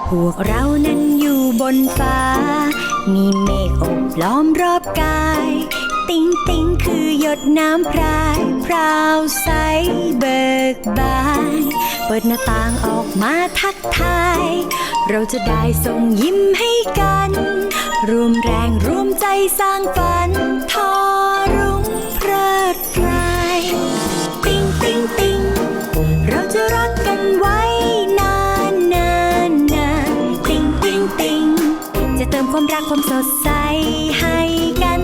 พวกเรานั้นอยู่บนฟ้ามีเมฆโอบล้อมรอบกายติ๊งติ๊งคือหยดน้ำพรายพราวใสเบิกบานเปิดหน้าต่างออกมาทักทายเราจะได้ส่งยิ้มให้กันรวมแรงรวมใจสร้างฝันทอรุ่งเพลิดเพลายติ๊งติ๊งติ๊งเราจะรักกันไว้นานนานนานติ๊งติ๊งติ๊งจะเติมความรักความสดใสให้กัน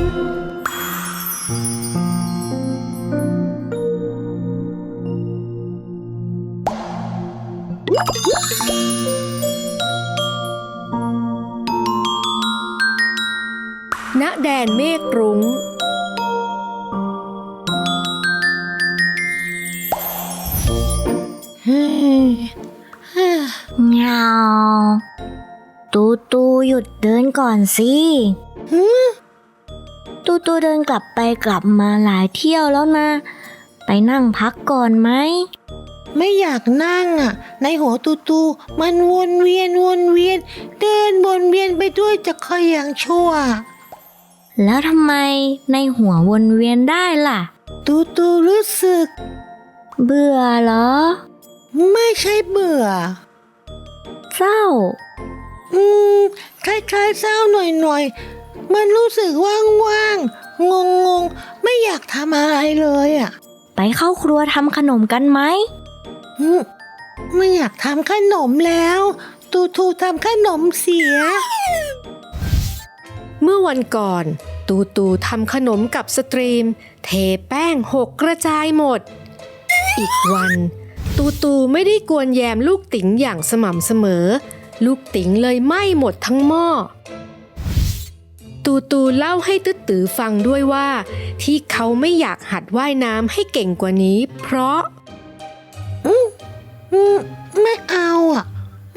ณแดนเมฆรุ้งเงาตูตูหยุดเดินก่อนสิตูตูเดินกลับไปกลับมาหลายเที่ยวแล้วนะไปนั่งพักก่อนไหมไม่อยากนั่งอ่ะในหัวตูมันวนเวียนเดินวนเวียนไปด้วยจะคอยอย่างชั่วแล้วทำไมในหัววนเวียนได้ล่ะตูรู้สึกเบื่อเหรอไม่ใช่เบื่อเศร้าคล้ายๆเศร้าหน่อยมันรู้สึกว่างงงไม่อยากทำอะไรเลยอ่ะไปเข้าครัวทำขนมกันไหมไม่อยากทำขนมแล้วตูทำขนมเสียเมื่อวันก่อนตูทำขนมกับสตรีมเทแป้งหกกระจายหมดอีกวันตูไม่ได้กวนแยมลูกติ๋งอย่างสม่ำเสมอลูกติ๋งเลยไหม้หมดทั้งหม้อตูเล่าให้ตึ๊ดตือฟังด้วยว่าที่เขาไม่อยากหัดว่ายน้ำให้เก่งกว่านี้เพราะไม่เอาอ่ะ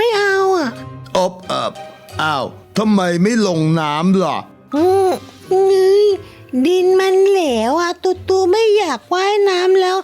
อ้าวทำไมไม่ลงน้ำล่ะดินมันเหลวอ่ะตูไม่อยากว่ายน้ำแล้ว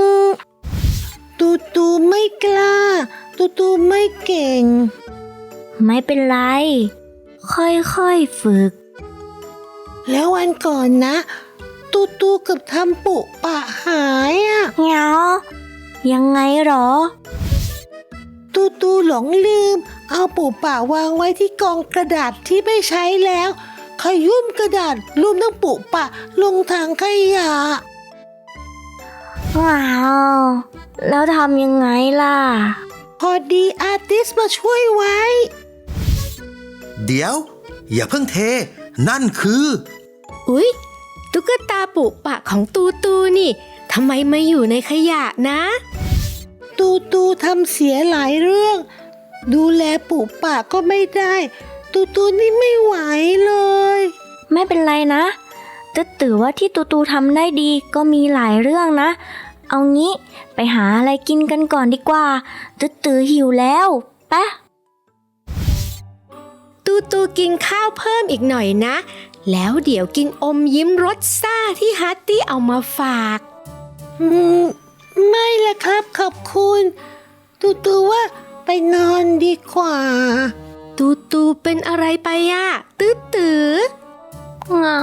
ตูไม่กล้าตูไม่เก่งไม่เป็นไรค่อยๆฝึกแล้ววันก่อนนะตูเกือบทำปุปะหายอ่ะเหงายังไงหรอตูหลงลืมเอาปุปะวางไว้ที่กองกระดาษที่ไม่ใช้แล้วขยุ่มกระดาษรวมทั้งปุปะลงถังขยะว้าวแล้วทำยังไงล่ะพอดีอาร์ติสมาช่วยไว้เดี๋ยวอย่าเพิ่งเทนั่นคืออุ๊ยตุ๊กตาปุปะของตูนี่ทำไมมาอยู่ในขยะนะตูทำเสียหลายเรื่องดูแลปุปะก็ไม่ได้ตูนี่ไม่ไหวเลยไม่เป็นไรนะตึ๊ดตือว่าที่ตูทำได้ดีก็มีหลายเรื่องนะเอางี้ไปหาอะไรกินกันก่อนดีกว่าตึ๊ดตือหิวแล้วปะตูกินข้าวเพิ่มอีกหน่อยนะแล้วเดี๋ยวกินอมยิ้มรสซ่าที่ฮัตตี้เอามาฝากไม่ละครับขอบคุณตูว่าไปนอนดีกว่าตูเป็นอะไรไปอะตือเหงา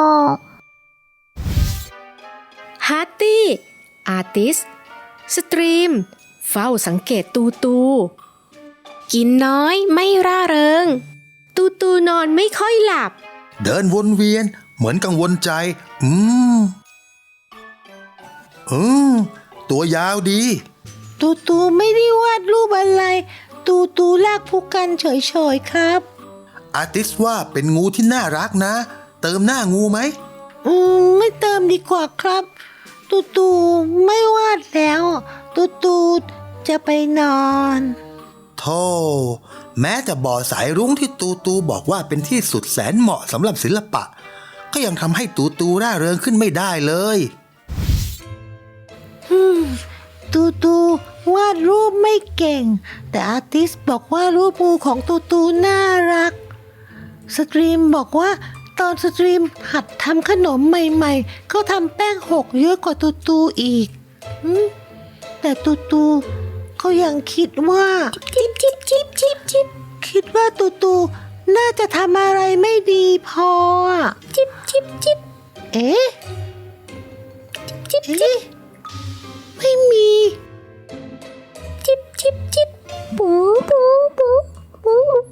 ฮัตตี้อาร์ติสสตรีมเฝ้าสังเกตตูกินน้อยไม่ร่าเริงตูนอนไม่ค่อยหลับเดินวนเวียนเหมือนกังวลใจตัวยาวดีตูไม่ได้วาดรูปอะไรตูลากผู้กันเฉยๆครับอาร์ติสว่าเป็นงูที่น่ารักนะเติมหน้างูไหมไม่เติมดีกว่าครับตูไม่วาดแล้วตูจะไปนอนโธ่แม้แต่บ่อสายรุ้งที่ตูบอกว่าเป็นที่สุดแสนเหมาะสำหรับศิลปะก็ยังทำให้ตูร่าเริงขึ้นไม่ได้เลยตูวาดรูปไม่เก่งแต่อาร์ติสบอกว่ารูปงูของตูน่ารักสตรีมบอกว่าตอนสตรีมหัดทำขนมใหม่ๆเขาทำแป้งหกเยอะกว่าตูอีกแต่ตูก็ยังคิดว่าจิบคิดว่าตูตูน่าจะทำอะไรไม่ดีพออะจิบจิบจิบเอ๊ะจิบจิบไม่มีจิบจิบจิบปูปูปูปูปู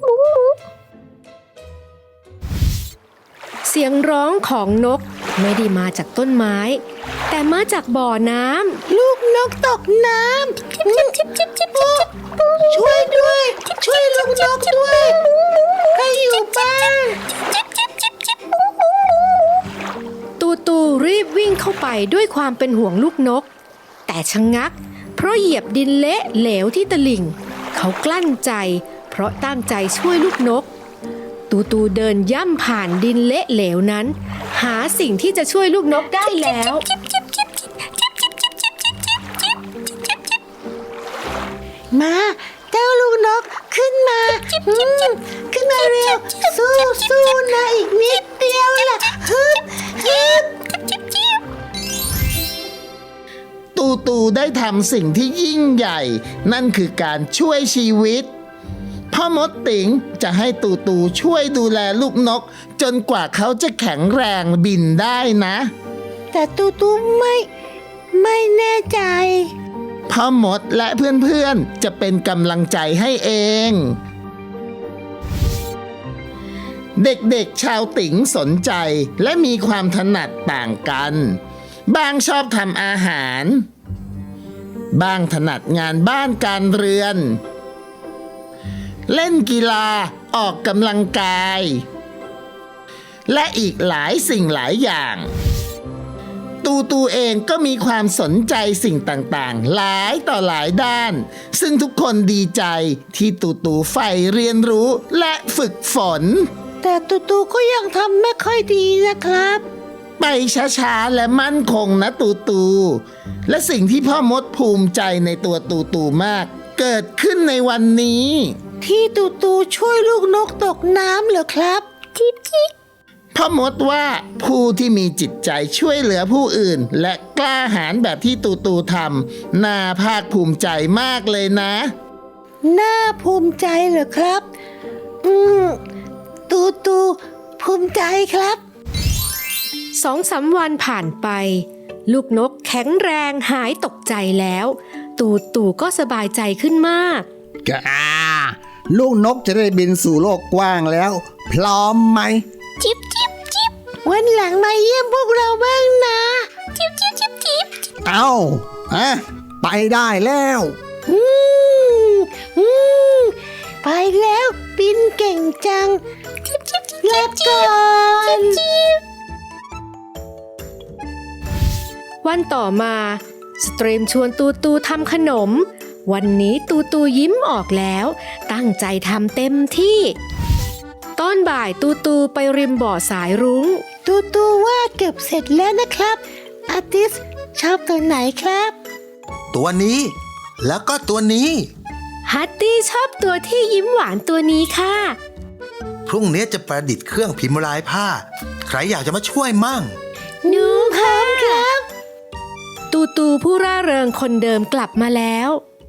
เสียงร้องของนกไม่ได้มาจากต้นไม้ แต่มาจากบ่อน้ำลูกนกตกน้ำจิบจิบจิบจิบจิบช่วยด้วย ช่วยลูกนกด้วยใครอยู่บ้านจิบจิบจิบจิบตูตูรีบวิ่งเข้าไปด้วยความเป็นห่วงลูกนก แต่ชะงัก เพราะเหยียบดินเละเหลวที่ตลิ่ง เขากลั้นใจ เพราะตั้งใจช่วยลูกนก ตูตูเดินย่ำผ่านดินเละเหลวนั้น หาสิ่งที่จะช่วยลูกนกได้แล้วมาเจ้าลูกนกขึ้นมาขึ้นมาเร็วสู้นะอีกนิดเดียวล่ะฮึบตูตูได้ทำสิ่งที่ยิ่งใหญ่ นั่นคือการช่วยชีวิตพ่อมดติ๋งจะให้ตูตูช่วยดูแลลูกนก จนกว่าเขาจะแข็งแรงบินได้นะแต่ตูตูไม่แน่ใจพ่อมดและเพื่อนๆจะเป็นกำลังใจให้เอง เด็กๆชาวติ๋งสนใจและมีความถนัดต่างกัน บางชอบทำอาหาร บางถนัดงานบ้านการเรือน เล่นกีฬาออกกำลังกาย และอีกหลายสิ่งหลายอย่าง ตูตูเองก็มีความสนใจสิ่งต่างๆหลายต่อหลายด้าน ซึ่งทุกคนดีใจที่ตูตูใฝ่เรียนรู้และฝึกฝนแต่ตูตูก็ยังทำไม่ค่อยดีนะครับไปช้าๆและมั่นคงนะตูตู และสิ่งที่พ่อมดภูมิใจในตัวตูตูมาก เกิดขึ้นในวันนี้ที่ตูตูช่วยลูกนกตกน้ำเหรอครับจิ๊บจิ๊บพ่อมดว่าผู้ที่มีจิตใจช่วยเหลือผู้อื่น และกล้าหาญแบบที่ตูตูทำน่าภาคภูมิใจมากเลยนะน่าภูมิใจเหรอครับตูตูภูมิใจครับ 2-3 วันผ่านไป ลูกนกแข็งแรงหายตกใจแล้ว ตูตูก็สบายใจขึ้นมากกาลูกนกจะได้บินสู่โลกกว้างแล้ว พร้อมไหมจิบจิบจิบวันหลังมาเยี่ยมพวกเราบ้างนะจิบจิบจิบจิบเอาไปได้แล้วอืมไปแล้วบินเก่งจังลาก่อนวันต่อมาสตรีมชวนตูตูทำขนม วันนี้ตูตูยิ้มออกแล้ว ตั้งใจทำเต็มที่ตอนบ่ายตูตูไปริมบ่อสายรุ้งตูตูว่าเก็บเสร็จแล้วนะครับอาร์ติสชอบตัวไหนครับตัวนี้แล้วก็ตัวนี้ฮัตตี้ชอบตัวที่ยิ้มหวานตัวนี้ค่ะพรุ่งนี้จะประดิษฐ์เครื่องพิมพ์ลายผ้า ใครอยากจะมาช่วยมั่งหนูค่ะครับตูตูผู้ร่าเริงคนเดิมกลับมาแล้ว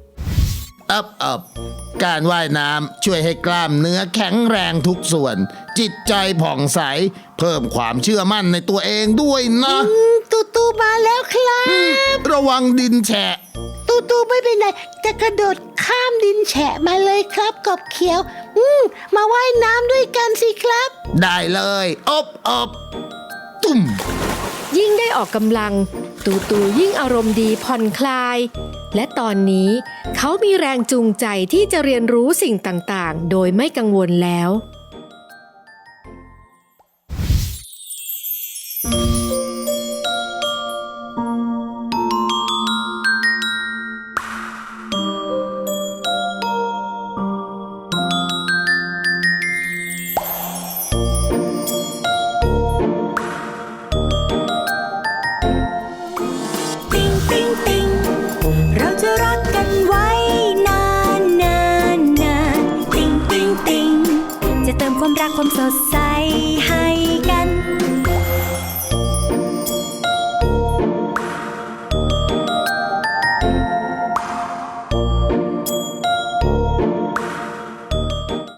การว่ายน้ำช่วยให้กล้ามเนื้อแข็งแรงทุกส่วน จิตใจผ่องใส เพิ่มความเชื่อมั่นในตัวเองด้วยนะตูตูมาแล้วครับระวังดินแฉะตูตูไม่เป็นไรจะกระโดดข้ามดินแฉะมาเลยครับกบเขียวมาว่ายน้ำด้วยกันสิครับได้เลยอบตุ่มยิ่งได้ออกกำลัง ตูตูยิ่งอารมณ์ดีผ่อนคลาย และตอนนี้เขามีแรงจูงใจที่จะเรียนรู้สิ่งต่างๆ โดยไม่กังวลแล้วติ๊งติ๊งติ๊งเราจะรักกันไว้นานนานนานติ๊งติ๊งติ๊งจะเติมความรักความสดใสให้กัน